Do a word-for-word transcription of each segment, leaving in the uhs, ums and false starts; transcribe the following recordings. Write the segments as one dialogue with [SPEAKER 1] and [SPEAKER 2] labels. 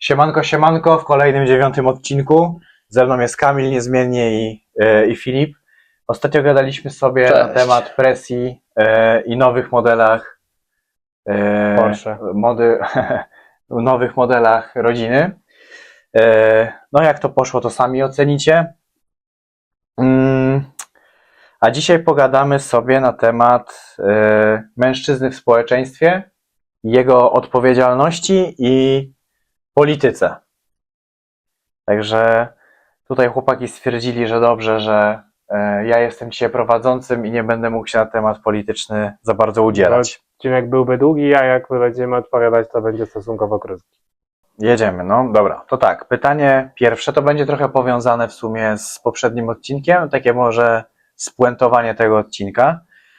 [SPEAKER 1] Siemanko, siemanko, w kolejnym dziewiątym odcinku. Ze mną jest Kamil niezmiennie i, e, i Filip. Ostatnio gadaliśmy sobie
[SPEAKER 2] Cześć.
[SPEAKER 1] na temat presji e, i nowych modelach e,
[SPEAKER 2] Porsche.
[SPEAKER 1] mody, nowych modelach rodziny. E, no jak to poszło, to sami ocenicie. Mm, a dzisiaj pogadamy sobie na temat e, mężczyzny w społeczeństwie, jego odpowiedzialności i polityce. Także tutaj chłopaki stwierdzili, że dobrze, że e, ja jestem dzisiaj prowadzącym i nie będę mógł się na temat polityczny za bardzo udzielać.
[SPEAKER 2] Odcinek byłby długi, a jak będziemy odpowiadać, to będzie stosunkowo krótki.
[SPEAKER 1] Jedziemy, no dobra. To tak, pytanie pierwsze to będzie trochę powiązane w sumie z poprzednim odcinkiem, takie może spuentowanie tego odcinka.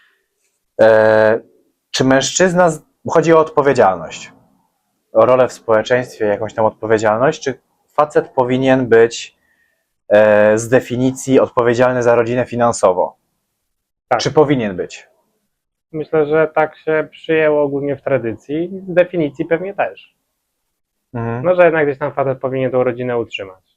[SPEAKER 1] E, czy mężczyzna, z- chodzi o odpowiedzialność, o rolę w społeczeństwie, jakąś tam odpowiedzialność, czy facet powinien być e, z definicji odpowiedzialny za rodzinę finansowo?
[SPEAKER 2] Tak.
[SPEAKER 1] Czy powinien być?
[SPEAKER 2] Myślę, że tak się przyjęło ogólnie w tradycji. Z definicji pewnie też.
[SPEAKER 1] Mhm.
[SPEAKER 2] No, że jednak gdzieś tam facet powinien tą rodzinę utrzymać.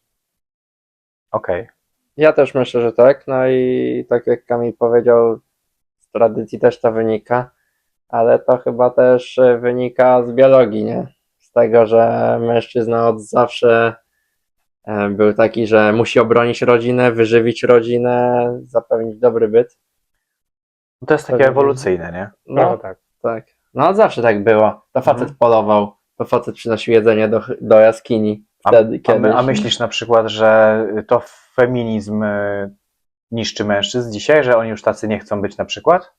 [SPEAKER 1] Okej.
[SPEAKER 3] Ja też myślę, że tak. No i tak jak Kamil powiedział, z tradycji też to wynika, ale to chyba też e, wynika z biologii, nie? Z tego, że mężczyzna od zawsze e, był taki, że musi obronić rodzinę, wyżywić rodzinę, zapewnić dobry byt.
[SPEAKER 1] To jest takie
[SPEAKER 3] Pewnie.
[SPEAKER 1] ewolucyjne, nie?
[SPEAKER 2] No
[SPEAKER 3] No
[SPEAKER 2] tak.
[SPEAKER 3] tak. No od zawsze tak było. To facet
[SPEAKER 1] Mhm.
[SPEAKER 3] polował, to facet przynosił jedzenie do, do jaskini.
[SPEAKER 1] A,
[SPEAKER 3] Wtedy,
[SPEAKER 1] a,
[SPEAKER 3] kiedyś.
[SPEAKER 1] my, a myślisz na przykład, że to feminizm y, niszczy mężczyzn dzisiaj, że oni już tacy nie chcą być na przykład?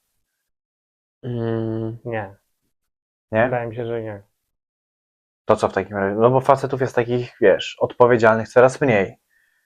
[SPEAKER 3] Mm,
[SPEAKER 2] Nie.
[SPEAKER 1] Nie?
[SPEAKER 2] Wydaje mi się, że nie.
[SPEAKER 1] To co w takim razie? No bo facetów jest takich, wiesz, odpowiedzialnych coraz mniej.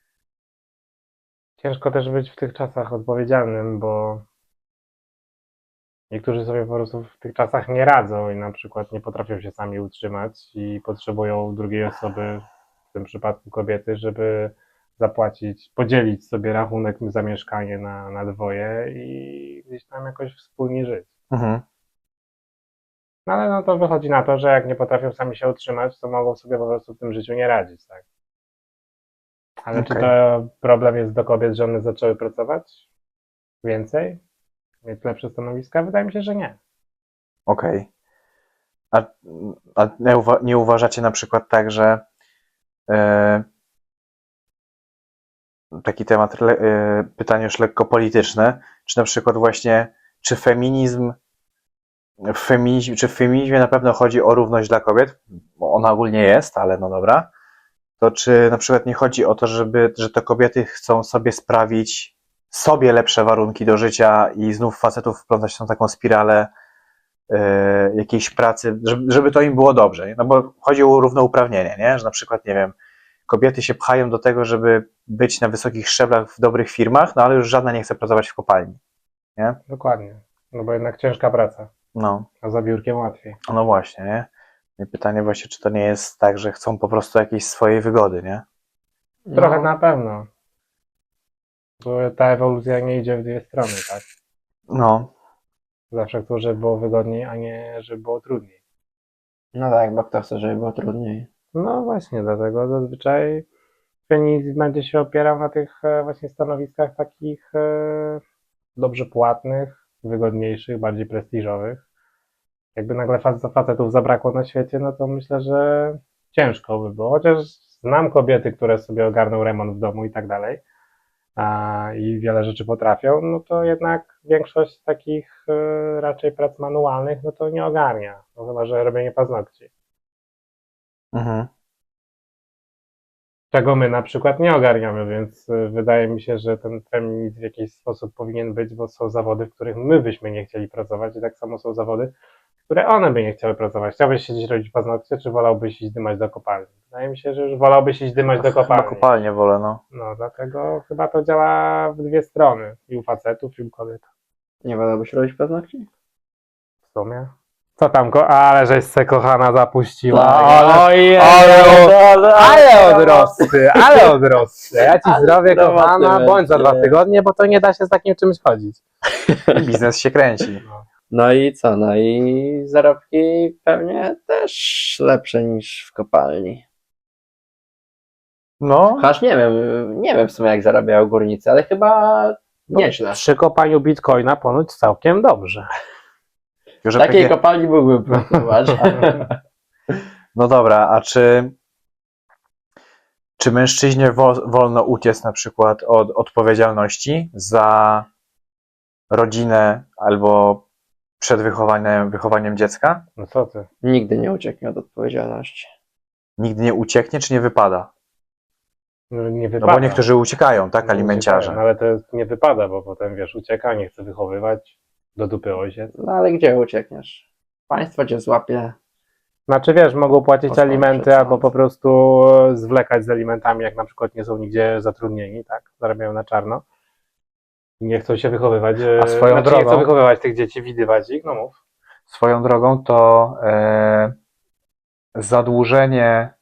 [SPEAKER 2] Ciężko też być w tych czasach odpowiedzialnym, bo niektórzy sobie po prostu w tych czasach nie radzą i na przykład nie potrafią się sami utrzymać i potrzebują drugiej osoby, w tym przypadku kobiety, żeby zapłacić, podzielić sobie rachunek za mieszkanie na, na dwoje i gdzieś tam jakoś wspólnie żyć.
[SPEAKER 1] Mhm.
[SPEAKER 2] No ale no to wychodzi na to, że jak nie potrafią sami się utrzymać, to mogą sobie po prostu w tym życiu nie radzić, tak? Ale czy
[SPEAKER 1] Okej.
[SPEAKER 2] to problem jest do kobiet, że one zaczęły pracować więcej? Mieć lepsze stanowiska? Wydaje mi się, że nie.
[SPEAKER 1] Okej. A, a nie, uwa- nie uważacie na przykład tak, że e, taki temat, le, e, pytanie już lekko polityczne, czy na przykład właśnie, czy feminizm, w feminizm, czy w feminizmie na pewno chodzi o równość dla kobiet, bo ona ogólnie jest, ale no dobra, to czy na przykład nie chodzi o to, żeby, że to kobiety chcą sobie sprawić sobie lepsze warunki do życia i znów facetów wplątać w tą taką spiralę e, jakiejś pracy, żeby, żeby to im było dobrze, nie? No bo chodzi o równouprawnienie, nie? Że na przykład, nie wiem, kobiety się pchają do tego, żeby być na wysokich szczeblach w dobrych firmach, no ale już żadna nie chce pracować w kopalni, nie?
[SPEAKER 2] Dokładnie. No bo jednak ciężka praca,
[SPEAKER 1] No,
[SPEAKER 2] a za biurkiem łatwiej.
[SPEAKER 1] no właśnie, nie? I pytanie właśnie, czy to nie jest tak, że chcą po prostu jakiejś swojej wygody, nie?
[SPEAKER 2] Trochę
[SPEAKER 3] no.
[SPEAKER 2] na pewno. Bo ta ewolucja nie idzie w dwie strony, tak?
[SPEAKER 1] No,
[SPEAKER 2] Zawsze chcą, żeby było wygodniej, a nie żeby było trudniej.
[SPEAKER 3] No tak, bo kto chce, żeby było trudniej.
[SPEAKER 2] No właśnie, dlatego zazwyczaj feminizm będzie się opierał na tych e, właśnie stanowiskach takich e, dobrze płatnych, wygodniejszych, bardziej prestiżowych. Jakby nagle fac- facetów zabrakło na świecie, no to myślę, że ciężko by było. Chociaż znam kobiety, które sobie ogarną remont w domu i tak dalej, a, i wiele rzeczy potrafią, no to jednak większość takich e, raczej prac manualnych, no to nie ogarnia. No chyba, że robienie paznokci.
[SPEAKER 1] mhm.
[SPEAKER 2] Czego my na przykład nie ogarniamy, więc y, wydaje mi się, że ten feminizm w jakiś sposób powinien być, bo są zawody, w których my byśmy nie chcieli pracować i tak samo są zawody, w które one by nie chciały pracować. Chciałbyś siedzieć robić paznokcie, czy wolałbyś iść dymać do kopalni? Wydaje mi się, że już wolałbyś iść dymać do
[SPEAKER 1] Chyba
[SPEAKER 2] kopalni.
[SPEAKER 1] kopalnię wolę, no.
[SPEAKER 2] No, dlatego chyba to działa w dwie strony. I u facetów, i u kobiet.
[SPEAKER 3] Nie wolałbyś robić paznokci?
[SPEAKER 2] W sumie. Co tam, ko- ale żeś se kochana zapuściła.
[SPEAKER 3] Tak.
[SPEAKER 2] ale,
[SPEAKER 3] Ojej,
[SPEAKER 2] ale, ale odrosty, ale odrosty. Ja ci
[SPEAKER 3] Ale
[SPEAKER 2] zdrowie,
[SPEAKER 3] zdrowa
[SPEAKER 2] kochana,
[SPEAKER 3] ty
[SPEAKER 2] bądź za dwa
[SPEAKER 3] będzie.
[SPEAKER 2] tygodnie, bo to nie da się z takim czymś chodzić.
[SPEAKER 1] Biznes się kręci.
[SPEAKER 3] No i co? No i zarobki pewnie też lepsze niż w kopalni.
[SPEAKER 1] No,
[SPEAKER 3] Aż nie wiem, nie wiem w sumie jak zarabiają górnicy, ale chyba nieźle.
[SPEAKER 2] Przy kopaniu bitcoina ponoć całkiem dobrze.
[SPEAKER 1] że
[SPEAKER 3] Takiej
[SPEAKER 1] takie...
[SPEAKER 3] kopalni mógłbym próbować.
[SPEAKER 1] No dobra, a czy, czy mężczyźnie wo, wolno uciec na przykład od odpowiedzialności za rodzinę albo przed wychowaniem, wychowaniem dziecka?
[SPEAKER 2] No co ty?
[SPEAKER 3] Nigdy nie ucieknie od odpowiedzialności.
[SPEAKER 1] Nigdy nie ucieknie, czy nie wypada?
[SPEAKER 2] No, nie
[SPEAKER 1] No
[SPEAKER 2] wypada.
[SPEAKER 1] bo niektórzy uciekają, tak,
[SPEAKER 2] No,
[SPEAKER 1] alimenciarze.
[SPEAKER 2] uciekają, ale to jest, nie wypada, bo potem wiesz, ucieka, nie chce wychowywać, do dupy ojciec.
[SPEAKER 3] No ale gdzie uciekniesz? Państwo cię złapie.
[SPEAKER 2] Znaczy wiesz, mogą płacić
[SPEAKER 3] Postąp
[SPEAKER 2] alimenty
[SPEAKER 3] przed
[SPEAKER 2] albo
[SPEAKER 3] sąd.
[SPEAKER 2] po prostu zwlekać z alimentami, jak na przykład nie są nigdzie zatrudnieni, tak? Zarabiają na czarno. I nie chcą się wychowywać.
[SPEAKER 1] A swoją
[SPEAKER 2] znaczy, nie
[SPEAKER 1] drogą-
[SPEAKER 2] chcą wychowywać tych dzieci, widywać ich, no mów.
[SPEAKER 1] Swoją drogą to e, zadłużenie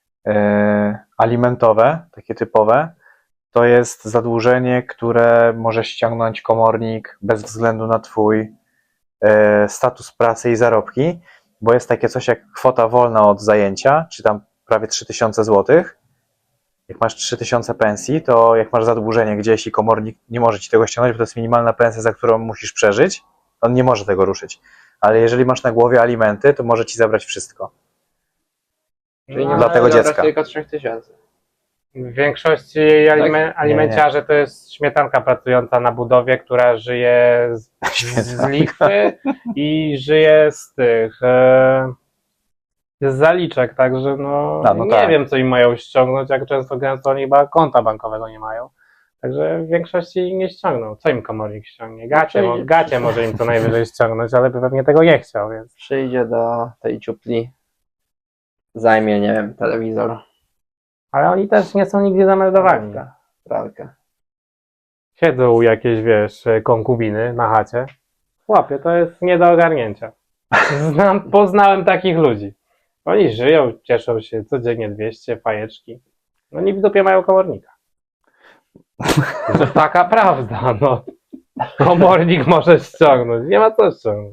[SPEAKER 1] e, alimentowe, takie typowe, to jest zadłużenie, które może ściągnąć komornik bez względu na twój e, status pracy i zarobki, bo jest takie coś jak kwota wolna od zajęcia, czy tam prawie trzy tysiące złotych. Jak masz trzy tysiące pensji, to jak masz zadłużenie gdzieś i komornik nie może ci tego ściągnąć, bo to jest minimalna pensja, za którą musisz przeżyć, on nie może tego ruszyć. Ale jeżeli masz na głowie alimenty, to może ci zabrać wszystko.
[SPEAKER 3] Czyli
[SPEAKER 2] No,
[SPEAKER 3] nie
[SPEAKER 1] dla
[SPEAKER 3] możesz
[SPEAKER 1] tego
[SPEAKER 3] zabrać
[SPEAKER 1] dziecka.
[SPEAKER 3] tylko trzech tysięcy.
[SPEAKER 2] W większości alime, alimenciarze to jest śmietanka pracująca na budowie, która żyje z, z lichwy i żyje z tych e, z zaliczek, także no,
[SPEAKER 1] A, no
[SPEAKER 2] nie
[SPEAKER 1] tak.
[SPEAKER 2] wiem, co im mają ściągnąć, jak często gęsto oni chyba konta bankowego nie mają. Także w większości nie ściągną. Co im komornik ściągnie? Gacie, mo, gacie może im co najwyżej ściągnąć, ale by pewnie tego nie chciał, więc
[SPEAKER 3] Przyjdzie do tej ciupli, zajmie, nie wiem, telewizor,
[SPEAKER 2] ale oni też nie są nigdzie zameldowani.
[SPEAKER 3] pralkę, pralkę.
[SPEAKER 2] Siedzą jakieś, wiesz, konkubiny na chacie. Chłopie, to jest nie do ogarnięcia. Znam, poznałem takich ludzi. Oni żyją, cieszą się codziennie dwieście, fajeczki. No nie w dupie mają komornika. To taka prawda, no. Komornik może ściągnąć, nie ma co ściągnąć.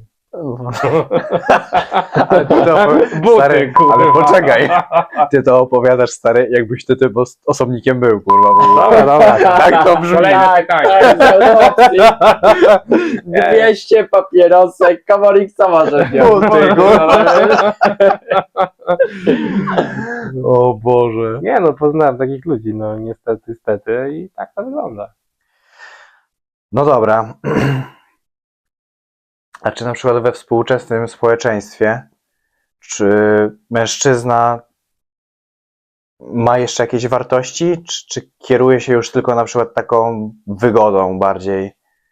[SPEAKER 1] Ale ty to opowi-
[SPEAKER 2] Buty,
[SPEAKER 1] stary,
[SPEAKER 2] kurwa.
[SPEAKER 1] ale poczekaj, ty to opowiadasz, stary, jakbyś ty tym os- osobnikiem był, kurwa. W ogóle.
[SPEAKER 2] Dobra, dobra.
[SPEAKER 1] Tak to brzmi.
[SPEAKER 2] Kolejne pytanie.
[SPEAKER 3] Tak, z opcji. dwieście papierosek, komornik co może wziąć?
[SPEAKER 1] Buty, kurwa. O Boże.
[SPEAKER 2] Nie no, poznałem takich ludzi, no niestety, stety i tak to wygląda.
[SPEAKER 1] No dobra. A czy na przykład we współczesnym społeczeństwie, czy mężczyzna ma jeszcze jakieś wartości, czy, czy kieruje się już tylko na przykład taką wygodą bardziej?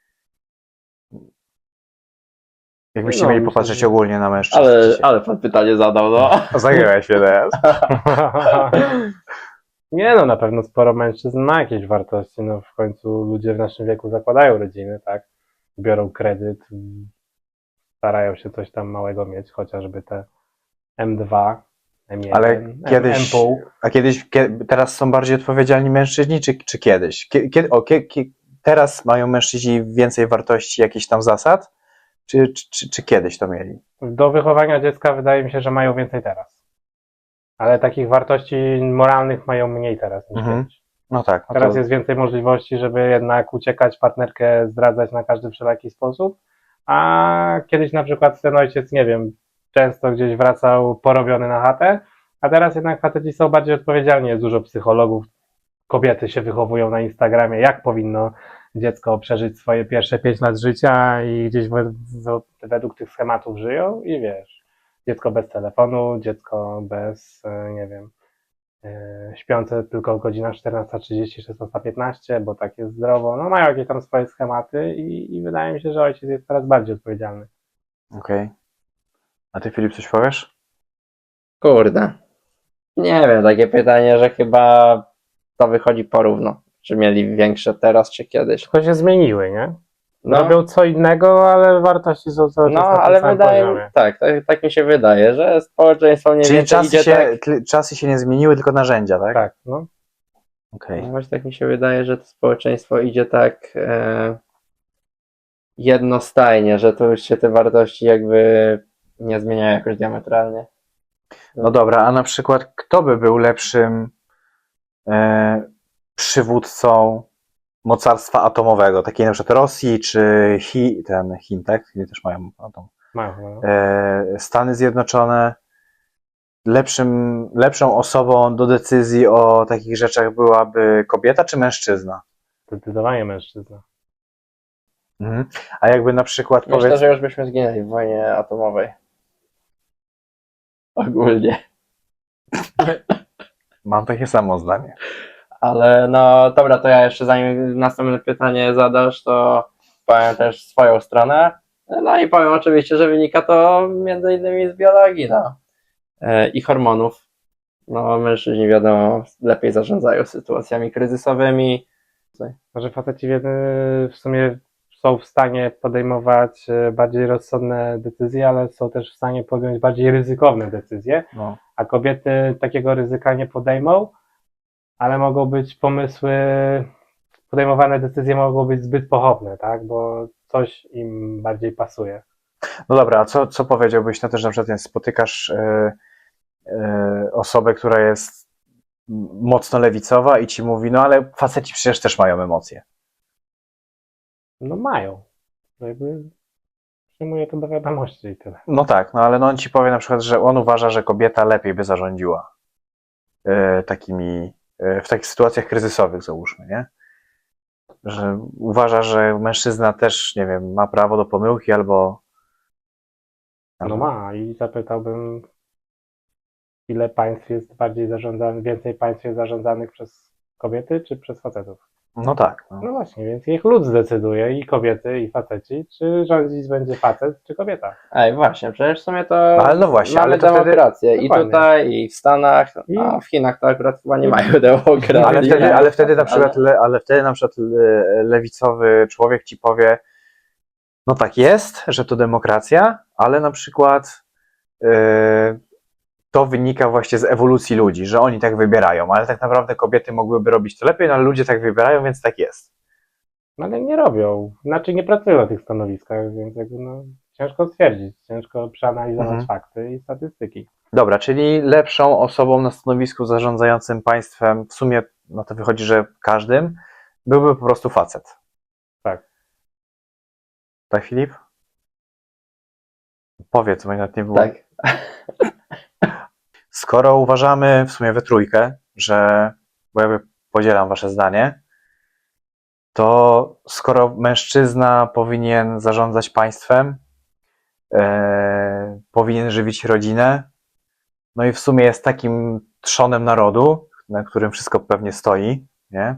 [SPEAKER 1] Jakbyście
[SPEAKER 2] No,
[SPEAKER 1] mieli
[SPEAKER 2] myślę,
[SPEAKER 1] popatrzeć
[SPEAKER 2] że-
[SPEAKER 1] ogólnie na mężczyzn.
[SPEAKER 3] Ale,
[SPEAKER 1] dzisiaj.
[SPEAKER 3] ale pan pytanie zadał, no.
[SPEAKER 1] Zagryłeś się teraz.
[SPEAKER 2] Nie no, na pewno sporo mężczyzn ma jakieś wartości, no w końcu ludzie w naszym wieku zakładają rodziny, tak? Biorą kredyt, starają się coś tam małego mieć, chociażby te M dwa, M jeden,
[SPEAKER 1] Ale
[SPEAKER 2] M-
[SPEAKER 1] kiedyś,
[SPEAKER 2] M pół.
[SPEAKER 1] a kiedyś, kie- teraz są bardziej odpowiedzialni mężczyźni, czy, czy kiedyś? Kie, kie, o, kie, kie, teraz mają mężczyźni więcej wartości, jakichś tam zasad, czy, czy, czy, czy kiedyś to mieli?
[SPEAKER 2] Do wychowania dziecka wydaje mi się, że mają więcej teraz. Ale takich wartości moralnych mają mniej teraz niż
[SPEAKER 1] Mhm.
[SPEAKER 2] kiedyś.
[SPEAKER 1] No tak. No
[SPEAKER 2] Teraz
[SPEAKER 1] to,
[SPEAKER 2] jest więcej możliwości, żeby jednak uciekać, partnerkę zdradzać na każdy wszelaki sposób, a kiedyś na przykład ten ojciec, nie wiem, często gdzieś wracał porobiony na chatę, a teraz jednak faceci są bardziej odpowiedzialni, jest dużo psychologów, kobiety się wychowują na Instagramie, jak powinno dziecko przeżyć swoje pierwsze pięć lat życia i gdzieś we, we, według tych schematów żyją i wiesz, dziecko bez telefonu, dziecko bez, e, nie wiem, e, śpiące tylko w godzinach czternasta trzydzieści, szesnasta piętnaście, bo tak jest zdrowo, no mają jakieś tam swoje schematy i, i wydaje mi się, że ojciec jest coraz bardziej odpowiedzialny.
[SPEAKER 1] okej. A ty, Filip, coś powiesz?
[SPEAKER 3] Kurde. Nie wiem, takie pytanie, że chyba to wychodzi porówno. Czy mieli większe teraz, czy kiedyś?
[SPEAKER 2] Tylko się zmieniły, nie?
[SPEAKER 3] No,
[SPEAKER 2] Robią co innego, ale wartości są cały czas
[SPEAKER 3] no
[SPEAKER 2] na tym
[SPEAKER 3] ale
[SPEAKER 2] samym
[SPEAKER 3] wydaje
[SPEAKER 2] poziomie.
[SPEAKER 3] mi tak, tak, tak mi się wydaje, że społeczeństwo mniej
[SPEAKER 1] Czyli
[SPEAKER 3] więcej
[SPEAKER 1] czasy
[SPEAKER 3] idzie
[SPEAKER 1] się,
[SPEAKER 3] tak.
[SPEAKER 1] tl- czasy się nie zmieniły, tylko narzędzia, tak?
[SPEAKER 2] Tak, no.
[SPEAKER 1] Okej.
[SPEAKER 3] No właśnie tak mi się wydaje, że to społeczeństwo idzie tak e, jednostajnie, że to już się te wartości jakby nie zmieniają jakoś diametralnie.
[SPEAKER 1] No dobra, a na przykład kto by był lepszym e, przywódcą mocarstwa atomowego, takiej na przykład Rosji czy Chi, ten Chin, tak? Chiny też mają atom.
[SPEAKER 2] Mają chyba, no.
[SPEAKER 1] E, Stany Zjednoczone, lepszym, lepszą osobą do decyzji o takich rzeczach byłaby kobieta czy mężczyzna?
[SPEAKER 2] Zdecydowanie mężczyzna.
[SPEAKER 1] Mhm. A jakby na przykład
[SPEAKER 3] Myślę,
[SPEAKER 1] powiedz...
[SPEAKER 3] że już byśmy zginęli w wojnie atomowej. Ogólnie.
[SPEAKER 1] Mam takie samo zdanie.
[SPEAKER 3] Ale no dobra, to ja jeszcze zanim następne pytanie zadasz, to powiem też swoją stronę. No i powiem oczywiście, że wynika to między innymi z biologii, no. E, I hormonów. No mężczyźni wiadomo lepiej zarządzają sytuacjami kryzysowymi.
[SPEAKER 2] Może faceci w w sumie są w stanie podejmować e, bardziej rozsądne decyzje, ale są też w stanie podjąć bardziej ryzykowne decyzje,
[SPEAKER 1] No.
[SPEAKER 2] a kobiety takiego ryzyka nie podejmą, ale mogą być pomysły, podejmowane decyzje mogą być zbyt pochopne, tak, bo coś im bardziej pasuje.
[SPEAKER 1] No dobra, a co, co powiedziałbyś na to, że na przykład nie, spotykasz e, e, osobę, która jest mocno lewicowa i ci mówi, no ale faceci przecież też mają emocje.
[SPEAKER 2] No mają. Jakby przyjmuję to do wiadomości i tyle.
[SPEAKER 1] No tak, no ale no on ci powie na przykład, że on uważa, że kobieta lepiej by zarządziła e, takimi, e, w takich sytuacjach kryzysowych, załóżmy, nie? Że uważa, że mężczyzna też, nie wiem, ma prawo do pomyłki albo...
[SPEAKER 2] No ma i zapytałbym, ile państw jest bardziej zarządzanych, więcej państw jest zarządzanych przez kobiety czy przez facetów?
[SPEAKER 1] No tak. No.
[SPEAKER 2] No właśnie, więc niech lud zdecyduje, i kobiety, i faceci, czy rządzić będzie facet, czy kobieta.
[SPEAKER 3] Ej, właśnie, przecież w sumie to
[SPEAKER 1] Ale no właśnie,
[SPEAKER 3] mamy
[SPEAKER 1] ale to wtedy-
[SPEAKER 3] demokrację i
[SPEAKER 2] Dokładnie.
[SPEAKER 3] tutaj, i w Stanach,
[SPEAKER 2] I-
[SPEAKER 3] a w Chinach to akurat chyba nie mają demokracji.
[SPEAKER 1] Ale wtedy, ale wtedy na przykład,
[SPEAKER 3] Ale-
[SPEAKER 1] le, ale wtedy na przykład le, lewicowy człowiek ci powie, no tak jest, że to demokracja, ale na przykład yy, to wynika właśnie z ewolucji ludzi, że oni tak wybierają, ale tak naprawdę kobiety mogłyby robić to lepiej, no ale ludzie tak wybierają, więc tak jest.
[SPEAKER 2] No ale nie robią, znaczy nie pracują na tych stanowiskach, więc jakby no, ciężko stwierdzić, ciężko przeanalizować
[SPEAKER 1] Mhm.
[SPEAKER 2] fakty i statystyki.
[SPEAKER 1] Dobra, czyli lepszą osobą na stanowisku zarządzającym państwem, w sumie no to wychodzi, że każdym, byłby po prostu facet.
[SPEAKER 2] Tak.
[SPEAKER 1] Tak, Filip? Powiedz, bo nawet nie było.
[SPEAKER 3] Tak.
[SPEAKER 1] Skoro uważamy w sumie we trójkę, że, bo ja podzielam wasze zdanie, to skoro mężczyzna powinien zarządzać państwem, e, powinien żywić rodzinę, no i w sumie jest takim trzonem narodu, na którym wszystko pewnie stoi, nie?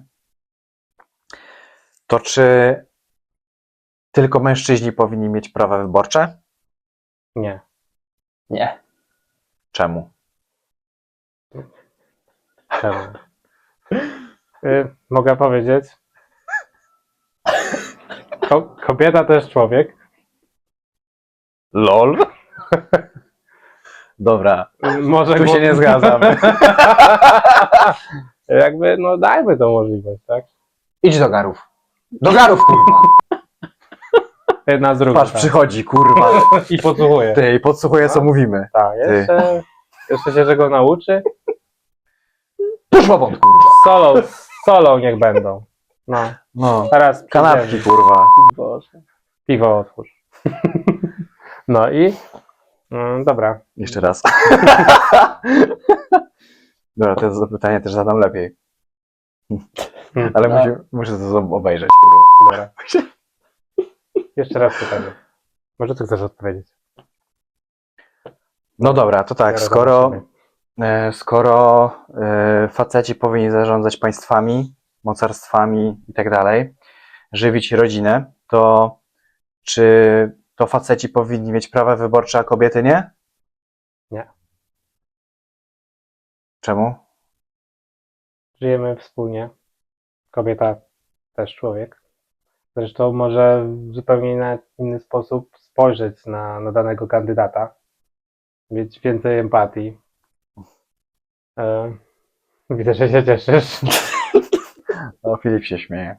[SPEAKER 1] To czy tylko mężczyźni powinni mieć prawa wyborcze?
[SPEAKER 2] Nie.
[SPEAKER 3] Nie.
[SPEAKER 1] Czemu?
[SPEAKER 2] Czemu? Y, mogę powiedzieć? Ko kobieta to jest człowiek.
[SPEAKER 1] LOL? Dobra,
[SPEAKER 2] Y, Może
[SPEAKER 1] tu się
[SPEAKER 2] gło-
[SPEAKER 1] nie zgadzam.
[SPEAKER 2] Jakby, no dajmy tą możliwość, tak?
[SPEAKER 1] Idź do garów. Do garów, kurwa!
[SPEAKER 2] Jedna z drugą.
[SPEAKER 1] Patrz,
[SPEAKER 2] tak.
[SPEAKER 1] przychodzi, kurwa.
[SPEAKER 2] I podsłuchuje.
[SPEAKER 1] Ty, i podsłuchuje, co
[SPEAKER 2] No.
[SPEAKER 1] mówimy.
[SPEAKER 2] Tak, jeszcze, jeszcze się czego nauczy.
[SPEAKER 1] Poszła wąt, kurwa.
[SPEAKER 2] Solą, solą niech będą. No,
[SPEAKER 1] No,
[SPEAKER 2] teraz
[SPEAKER 1] kanapki,
[SPEAKER 2] przyjdziemy.
[SPEAKER 1] kurwa.
[SPEAKER 3] Boże.
[SPEAKER 2] Piwo otwórz. No i mm, dobra.
[SPEAKER 1] Jeszcze raz. Dobra, to zapytanie też zadam lepiej. Ale
[SPEAKER 3] No.
[SPEAKER 1] muszę, muszę to obejrzeć, kurwa.
[SPEAKER 2] Dobra. Jeszcze raz pytanie. Może ty chcesz odpowiedzieć?
[SPEAKER 1] No dobra, to tak,
[SPEAKER 2] Teraz
[SPEAKER 1] skoro,
[SPEAKER 2] zobaczymy.
[SPEAKER 1] e, skoro e, faceci powinni zarządzać państwami, mocarstwami i tak dalej, żywić rodzinę, to czy to faceci powinni mieć prawa wyborcze, a kobiety nie?
[SPEAKER 2] Nie.
[SPEAKER 1] Czemu?
[SPEAKER 2] Żyjemy wspólnie. Kobieta też człowiek. Zresztą może w zupełnie na inny sposób spojrzeć na, na danego kandydata. Mieć więcej empatii. E, widzę, że się cieszysz.
[SPEAKER 1] No, Filip się śmieje.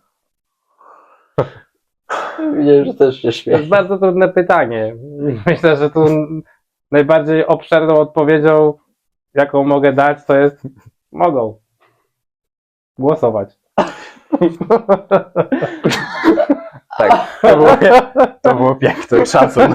[SPEAKER 3] Widzę, że też się
[SPEAKER 2] To jest
[SPEAKER 3] śmieje.
[SPEAKER 2] bardzo trudne pytanie. Myślę, że tu najbardziej obszerną odpowiedzią, jaką mogę dać, to jest mogą. Głosować.
[SPEAKER 1] Tak, to było, to było piękne, szacun.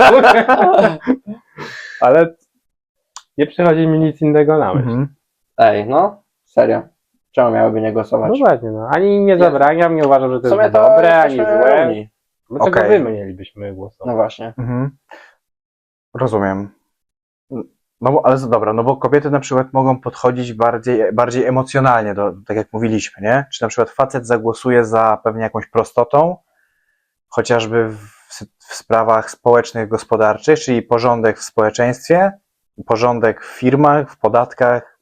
[SPEAKER 2] Ale nie przychodzi mi nic innego na myśl.
[SPEAKER 1] Mhm.
[SPEAKER 3] Ej, no, serio. Czemu miałyby nie głosować?
[SPEAKER 2] No właśnie, no. Ani im nie
[SPEAKER 3] Nie.
[SPEAKER 2] zabraniam, nie uważam, że to
[SPEAKER 3] W sumie
[SPEAKER 2] jest
[SPEAKER 3] to
[SPEAKER 2] dobre, ani
[SPEAKER 3] jesteśmy
[SPEAKER 2] złe.
[SPEAKER 3] równi.
[SPEAKER 2] Dlaczego
[SPEAKER 1] Okej.
[SPEAKER 2] wy mielibyśmy
[SPEAKER 3] No
[SPEAKER 2] głosować?
[SPEAKER 3] właśnie.
[SPEAKER 1] Mhm. Rozumiem. No bo, ale dobra, no bo kobiety na przykład mogą podchodzić bardziej, bardziej emocjonalnie, do, tak jak mówiliśmy, nie? Czy na przykład facet zagłosuje za pewnie jakąś prostotą, chociażby w, w sprawach społecznych, gospodarczych, czyli porządek w społeczeństwie, porządek w firmach, w podatkach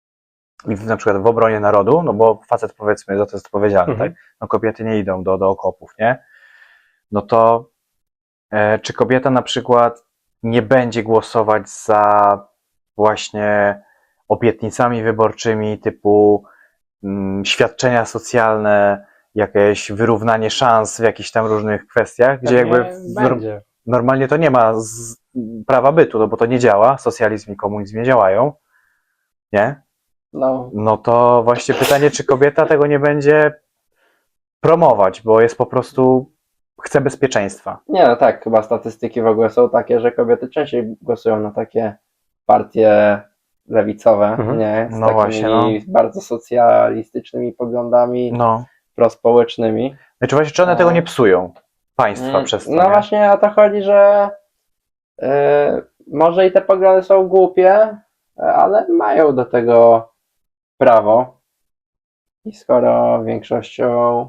[SPEAKER 1] i w, na przykład w obronie narodu, no bo facet, powiedzmy, za to jest odpowiedzialny,
[SPEAKER 2] Mhm.
[SPEAKER 1] tak? No kobiety nie idą do, do okopów, nie? No to e, czy kobieta na przykład nie będzie głosować za właśnie obietnicami wyborczymi typu mm, świadczenia socjalne, jakieś wyrównanie szans w jakichś tam różnych kwestiach, gdzie jakby
[SPEAKER 2] Pewnie
[SPEAKER 1] w, nor-
[SPEAKER 2] będzie.
[SPEAKER 1] normalnie to nie ma z, prawa bytu, no bo to nie działa, socjalizm i komunizm nie działają, nie?
[SPEAKER 3] No,
[SPEAKER 1] No to właśnie pytanie, czy kobieta tego nie będzie promować, bo jest po prostu, chce bezpieczeństwa.
[SPEAKER 3] nie no tak, chyba statystyki w ogóle są takie, że kobiety częściej głosują na takie partie lewicowe,
[SPEAKER 2] Mhm.
[SPEAKER 3] nie? Z
[SPEAKER 1] No
[SPEAKER 3] takimi
[SPEAKER 1] właśnie, no.
[SPEAKER 3] bardzo socjalistycznymi poglądami,
[SPEAKER 1] No.
[SPEAKER 3] prospołecznymi.
[SPEAKER 1] Znaczy właśnie, czy one
[SPEAKER 3] A.
[SPEAKER 1] tego nie psują? Państwa
[SPEAKER 3] Mm,
[SPEAKER 1] przez to,
[SPEAKER 3] No
[SPEAKER 1] nie?
[SPEAKER 3] właśnie o to chodzi, że yy, może i te poglądy są głupie, ale mają do tego prawo. I skoro większością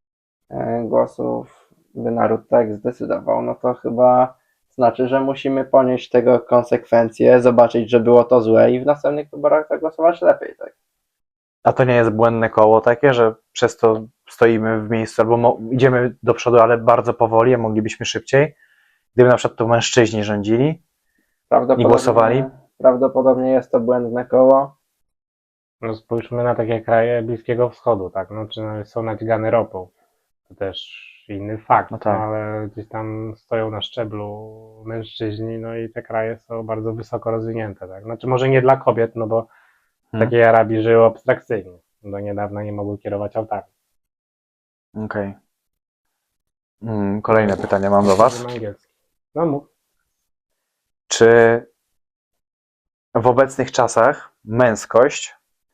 [SPEAKER 3] yy, głosów by naród tak zdecydował, no to chyba znaczy, że musimy ponieść tego konsekwencje, zobaczyć, że było to złe i w następnych wyborach zagłosować lepiej, tak?
[SPEAKER 1] A to nie jest błędne koło takie, że przez to stoimy w miejscu, albo mo- idziemy do przodu, ale bardzo powoli, a moglibyśmy szybciej? Gdyby na przykład to mężczyźni rządzili?
[SPEAKER 3] Prawdopodobnie,
[SPEAKER 1] I głosowali?
[SPEAKER 3] Prawdopodobnie jest to błędne koło.
[SPEAKER 2] No spójrzmy na takie kraje Bliskiego Wschodu, tak? No, czy są nadźgane ropą. To też inny fakt,
[SPEAKER 1] No tak.
[SPEAKER 2] no, ale gdzieś tam stoją na szczeblu mężczyźni, no i te kraje są bardzo wysoko rozwinięte, tak? Znaczy może nie dla kobiet, no bo w
[SPEAKER 1] Hmm.
[SPEAKER 2] takiej Arabii żyły abstrakcyjnie. Do niedawna nie mogły kierować autami.
[SPEAKER 1] Okej. Mm, kolejne pytanie mam do Was.
[SPEAKER 2] Angielski. No mów.
[SPEAKER 1] Czy w obecnych czasach męskość,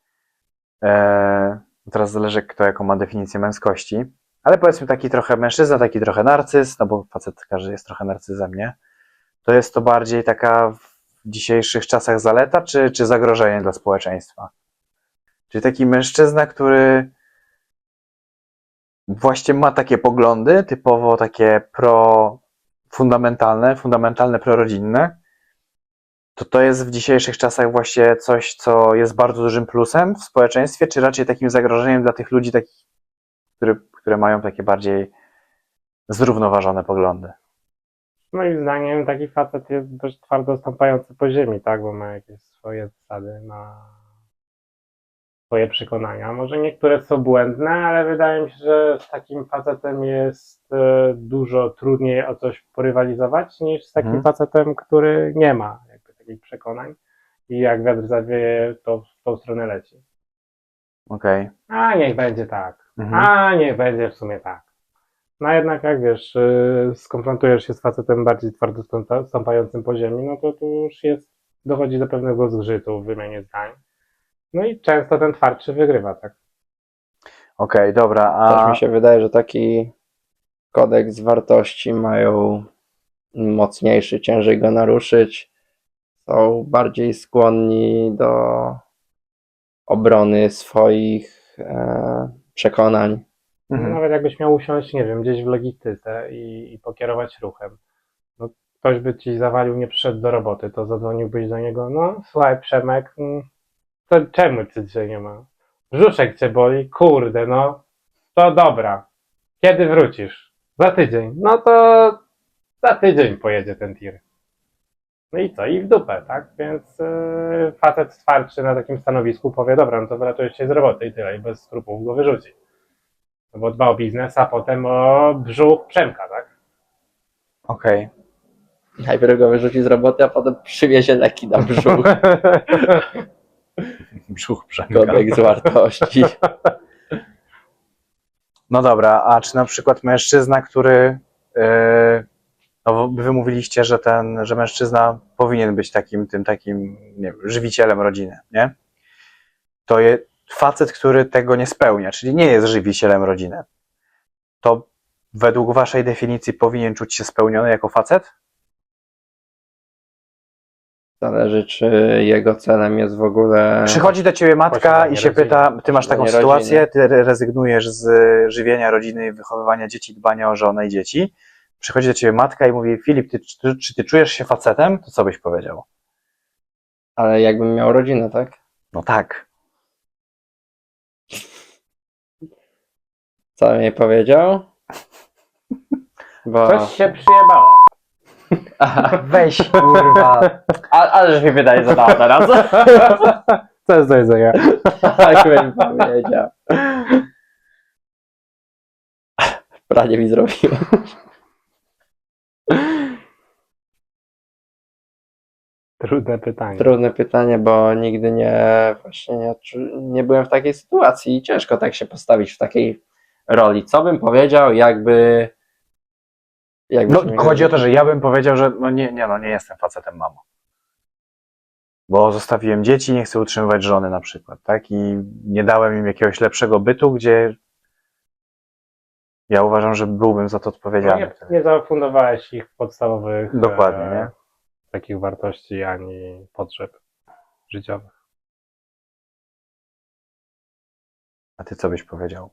[SPEAKER 1] e, teraz zależy kto jaką ma definicję męskości, ale powiedzmy taki trochę mężczyzna, taki trochę narcyz, no bo facet każdy jest trochę narcyzem, nie? To jest to bardziej taka w dzisiejszych czasach zaleta, czy, czy zagrożenie dla społeczeństwa? Czyli taki mężczyzna, który właśnie ma takie poglądy, typowo takie pro-fundamentalne, fundamentalne, prorodzinne, to to jest w dzisiejszych czasach właśnie coś, co jest bardzo dużym plusem w społeczeństwie, czy raczej takim zagrożeniem dla tych ludzi, takich, które, które mają takie bardziej zrównoważone poglądy?
[SPEAKER 2] Moim zdaniem taki facet jest dość twardo stąpający po ziemi, tak? Bo ma jakieś swoje zasady, ma swoje przekonania. Może niektóre są błędne, ale wydaje mi się, że z takim facetem jest e, dużo trudniej o coś porywalizować niż z takim
[SPEAKER 1] Mhm.
[SPEAKER 2] facetem, który nie ma jakby takich przekonań i jak wiatr zawieje, to w tą stronę leci.
[SPEAKER 1] Okej.
[SPEAKER 2] A niech będzie tak.
[SPEAKER 1] Mhm.
[SPEAKER 2] A niech będzie w sumie tak. No jednak jak wiesz, yy, skonfrontujesz się z facetem bardziej twardo stąpa- stąpającym po ziemi, no to tu już jest, dochodzi do pewnego zgrzytu w wymianie zdań. No i często ten twardszy wygrywa, tak?
[SPEAKER 1] Okej, dobra,
[SPEAKER 3] Też
[SPEAKER 1] a
[SPEAKER 3] mi się wydaje, że taki kodeks wartości mają mocniejszy, ciężej go naruszyć. Są bardziej skłonni do obrony swoich e, przekonań.
[SPEAKER 1] mhm.
[SPEAKER 2] Nawet jakbyś miał usiąść, nie wiem, gdzieś w logistyce i, i pokierować ruchem. No, ktoś by ci zawalił, nie przyszedł do roboty, to zadzwoniłbyś do niego, no słuchaj Przemek, mm, to czemu cię dzisiaj nie ma? Brzuszek cię boli? Kurde, no. To dobra. Kiedy wrócisz? Za tydzień. No to za tydzień pojedzie ten tir. No i co? I w dupę, tak? Więc yy, facet twardszy na takim stanowisku powie, dobra, no to wylatujesz się z roboty i tyle, i bez skrupułów go wyrzuci. No bo dba o biznes, a potem o brzuch Przemka, tak?
[SPEAKER 1] Okej.
[SPEAKER 3] Najpierw go wyrzuci z roboty, a potem przywiezie leki na brzuch.
[SPEAKER 1] Brzuch Przemka.
[SPEAKER 3] Kodeks wartości.
[SPEAKER 1] No dobra, a czy na przykład mężczyzna, który, yy, no wy mówiliście, że ten, że mężczyzna powinien być takim, tym takim, nie wiem, żywicielem rodziny, nie? To jest facet, który tego nie spełnia, czyli nie jest żywicielem rodziny. To według waszej definicji powinien czuć się spełniony jako facet?
[SPEAKER 3] Zależy, czy jego celem jest w ogóle.
[SPEAKER 1] Przychodzi do ciebie matka
[SPEAKER 2] Posiadanie
[SPEAKER 1] i się
[SPEAKER 2] rodziny.
[SPEAKER 1] pyta, ty masz taką
[SPEAKER 3] Posiadanie
[SPEAKER 1] sytuację,
[SPEAKER 3] rodziny.
[SPEAKER 1] ty rezygnujesz z żywienia rodziny, wychowywania dzieci, dbania o żonę i dzieci. Przychodzi do ciebie matka i mówi, Filip, ty, czy, czy ty czujesz się facetem? To co byś powiedział?
[SPEAKER 3] Ale jakbym miał rodzinę, tak?
[SPEAKER 1] No tak.
[SPEAKER 3] Co bym jej powiedział? Bo.
[SPEAKER 2] Coś się przyjebało.
[SPEAKER 3] Aha,
[SPEAKER 1] Weź, kurwa.
[SPEAKER 3] a, ale że mi wydaje zadała teraz.
[SPEAKER 2] Co jest do jedzenia?
[SPEAKER 3] Tak bym powiedział. Pranie mi zrobiło.
[SPEAKER 2] Trudne pytanie.
[SPEAKER 3] Trudne pytanie, bo nigdy nie właśnie nie, czu- nie byłem w takiej sytuacji i ciężko tak się postawić w takiej roli. Co bym powiedział, jakby. jakby się mi-
[SPEAKER 1] No, chodzi o to, że ja bym powiedział, że no nie, nie, no nie jestem facetem, mamo. Bo zostawiłem dzieci, nie chcę utrzymywać żony na przykład, tak? I nie dałem im jakiegoś lepszego bytu, gdzie ja uważam, że byłbym za to
[SPEAKER 2] No
[SPEAKER 1] odpowiedzialny.
[SPEAKER 2] nie, nie zafundowałeś ich podstawowych
[SPEAKER 1] Dokładnie,
[SPEAKER 2] e,
[SPEAKER 1] nie?
[SPEAKER 2] takich wartości ani potrzeb życiowych.
[SPEAKER 1] A ty co byś powiedział?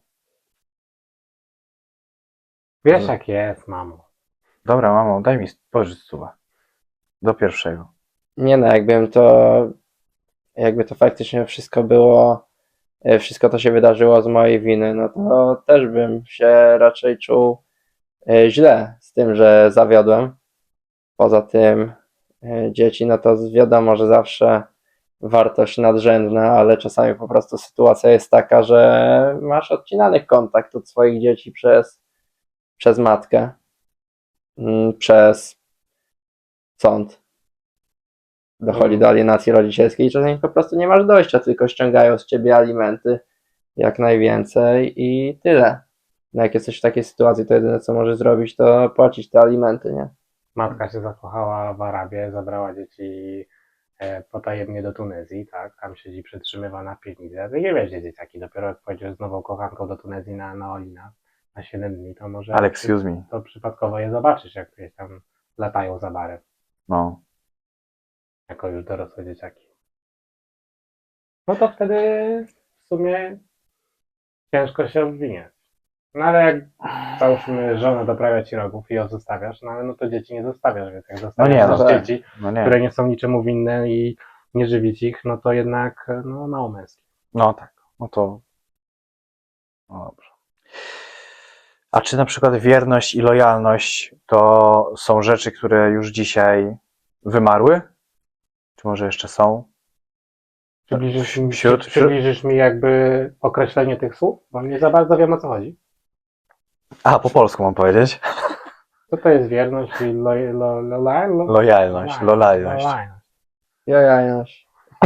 [SPEAKER 2] Wiesz jak jest, mamo.
[SPEAKER 1] Dobra, mamo, daj mi pożycz suwa. Do pierwszego.
[SPEAKER 3] Nie no, jakbym to. Jakby to faktycznie wszystko było. e, Wszystko to się wydarzyło z mojej winy, no to też bym się raczej czuł e, źle z tym, że zawiodłem. Poza tym e, dzieci, no to wiadomo, że zawsze wartość nadrzędna, ale czasami po prostu sytuacja jest taka, że masz odcinany kontakt od swoich dzieci przez, przez matkę, mm, przez sąd. Dochodzi do alienacji rodzicielskiej i czasami po prostu nie masz dojścia, tylko ściągają z ciebie alimenty jak najwięcej i tyle. No jak jesteś w takiej sytuacji, to jedyne co możesz zrobić, to płacić te alimenty, nie?
[SPEAKER 2] Matka się zakochała w Arabii, zabrała dzieci e, potajemnie do Tunezji, tak? Tam siedzi przetrzymywana piwnicy. Ty nie wiesz, gdzie dzieciaki. Dopiero jak pojedziesz z nową kochanką do Tunezji na, na Olina na siedem dni, to może
[SPEAKER 1] Ale excuse me.
[SPEAKER 2] to przypadkowo je zobaczysz, jak gdzieś tam latają za barem,
[SPEAKER 1] No.
[SPEAKER 2] jako już dorosłe dzieciaki. No to wtedy w sumie ciężko się obwiniać. No ale jak załóżmy żona doprawia ci rogów i ją zostawiasz, no ale no to dzieci nie zostawiasz, więc jak zostawiasz
[SPEAKER 1] nie, no
[SPEAKER 2] też
[SPEAKER 3] tak.
[SPEAKER 2] dzieci,
[SPEAKER 1] No nie.
[SPEAKER 2] które nie są niczemu winne i nie żywić ich, no to jednak no, mało męskie.
[SPEAKER 1] No tak. No to. No dobrze. A czy na przykład wierność i lojalność to są rzeczy, które już dzisiaj wymarły? Czy może jeszcze są?
[SPEAKER 2] Przybliżysz mi,
[SPEAKER 1] Wśród-
[SPEAKER 2] przybliżysz mi jakby określenie tych słów? Bo nie za bardzo wiem, o co chodzi.
[SPEAKER 1] A, po polsku mam powiedzieć.
[SPEAKER 2] Co to jest wierność i lo, lo, lo, lo, lo,
[SPEAKER 1] Lojalność, lojalność.
[SPEAKER 3] Jojajoś.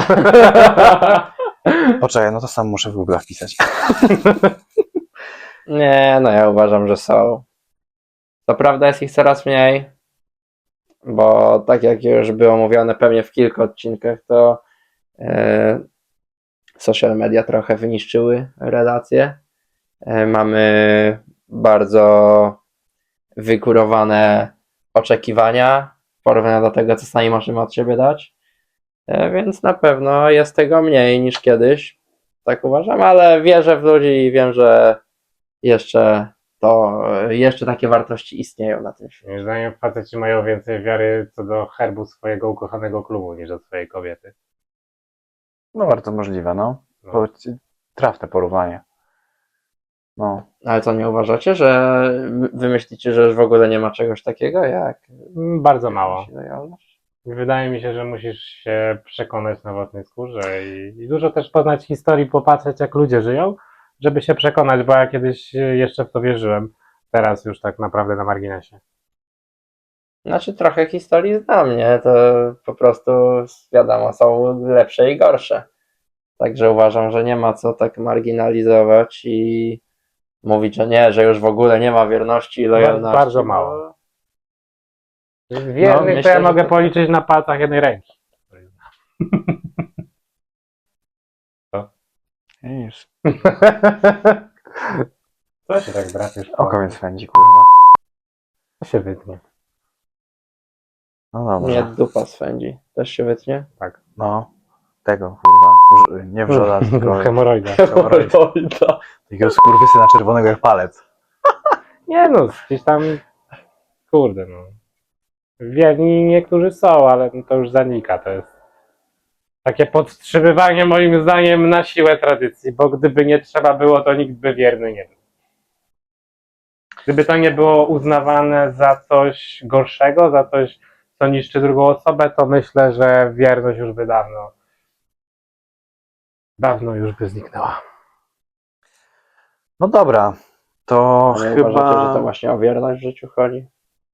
[SPEAKER 1] Poczekaj, no to sam muszę w Google wpisać.
[SPEAKER 3] Nie, no ja uważam, że są. To prawda jest ich coraz mniej, bo tak jak już było mówione pewnie w kilku odcinkach, to e, social media trochę wyniszczyły relacje. E, mamy bardzo wygórowane oczekiwania w porównaniu do tego, co sami możemy od siebie dać. E, więc na pewno jest tego mniej niż kiedyś. Tak uważam, ale wierzę w ludzi i wiem, że jeszcze to, jeszcze takie wartości istnieją na tym świecie.
[SPEAKER 2] Moim zdaniem faceci mają więcej wiary co do herbu swojego ukochanego klubu niż do swojej kobiety.
[SPEAKER 1] No bardzo możliwe, no.
[SPEAKER 2] No.
[SPEAKER 1] To trafne porównanie. No.
[SPEAKER 3] Ale co, nie uważacie, że wy myślicie, że już w ogóle nie ma czegoś takiego jak
[SPEAKER 2] Mm, Bardzo mało.
[SPEAKER 3] lojalność?
[SPEAKER 2] Wydaje mi się, że musisz się przekonać na własnej skórze i, i dużo też poznać historii, popatrzeć jak ludzie żyją, żeby się przekonać, bo ja kiedyś jeszcze w to wierzyłem. Teraz już tak naprawdę na marginesie.
[SPEAKER 3] Znaczy trochę historii znam, nie? To po prostu wiadomo, są lepsze i gorsze. Także uważam, że nie ma co tak marginalizować i mówić, że nie, że już w ogóle nie ma wierności i lojalności.
[SPEAKER 2] Bardzo
[SPEAKER 3] bo-
[SPEAKER 2] mało. Wiernych to
[SPEAKER 3] myślę,
[SPEAKER 2] ja
[SPEAKER 3] że
[SPEAKER 2] mogę
[SPEAKER 3] to-
[SPEAKER 2] policzyć na palcach jednej ręki.
[SPEAKER 1] Widzisz?
[SPEAKER 2] Co się tak drapiesz?
[SPEAKER 1] Oko mnie swędzi, kurwa.
[SPEAKER 2] To się wytnie.
[SPEAKER 1] No
[SPEAKER 3] Nie,
[SPEAKER 1] dobrze.
[SPEAKER 3] dupa swędzi. Też się wytnie?
[SPEAKER 2] Tak.
[SPEAKER 1] No, tego, kurwa. Wrz- Nie wrzoda, tylko
[SPEAKER 2] Hemoroida.
[SPEAKER 3] Hemoroida.
[SPEAKER 1] takiego skurwysyna czerwonego jak palec.
[SPEAKER 2] Nie no, gdzieś tam, kurde no. Wierni niektórzy są, ale to już zanika. To jest takie podtrzymywanie moim zdaniem na siłę tradycji, bo gdyby nie trzeba było, to nikt by wierny nie był. Gdyby to nie było uznawane za coś gorszego, za coś, co niszczy drugą osobę, to myślę, że wierność już by dawno, dawno już by zniknęła.
[SPEAKER 1] No dobra, to
[SPEAKER 3] A nie
[SPEAKER 1] chyba...
[SPEAKER 3] uważacie, że to właśnie o wierność w życiu chodzi?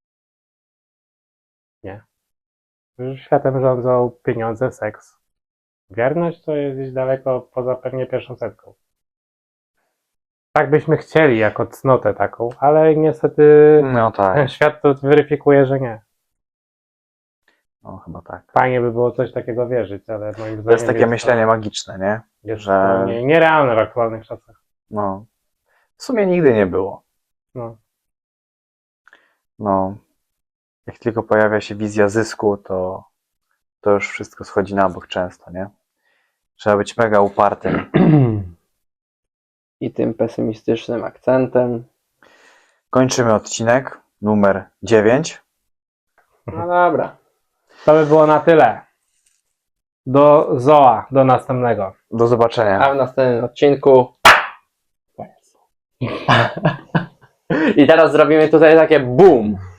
[SPEAKER 2] Już światem rządzą pieniądze, seks. Wierność to jest gdzieś daleko poza pewnie pierwszą setką. Tak byśmy chcieli, jako cnotę taką, ale niestety
[SPEAKER 1] No tak,
[SPEAKER 2] świat to weryfikuje, że nie.
[SPEAKER 1] no chyba tak.
[SPEAKER 2] Fajnie by było coś takiego wierzyć, ale moim zdaniem
[SPEAKER 1] To jest takie myślenie magiczne, nie?
[SPEAKER 2] jest
[SPEAKER 1] że-
[SPEAKER 2] to nie, nierealne w aktualnych czasach.
[SPEAKER 1] No. W sumie nigdy nie było.
[SPEAKER 2] No.
[SPEAKER 1] No. Jak tylko pojawia się wizja zysku, to, to już wszystko schodzi na bok często, nie? Trzeba być mega upartym.
[SPEAKER 3] I tym pesymistycznym akcentem.
[SPEAKER 1] Kończymy odcinek numer dziewięć.
[SPEAKER 3] No dobra.
[SPEAKER 2] To by było na tyle. Do Zoa, do następnego.
[SPEAKER 1] Do zobaczenia.
[SPEAKER 3] A w następnym odcinku. I teraz zrobimy tutaj takie boom.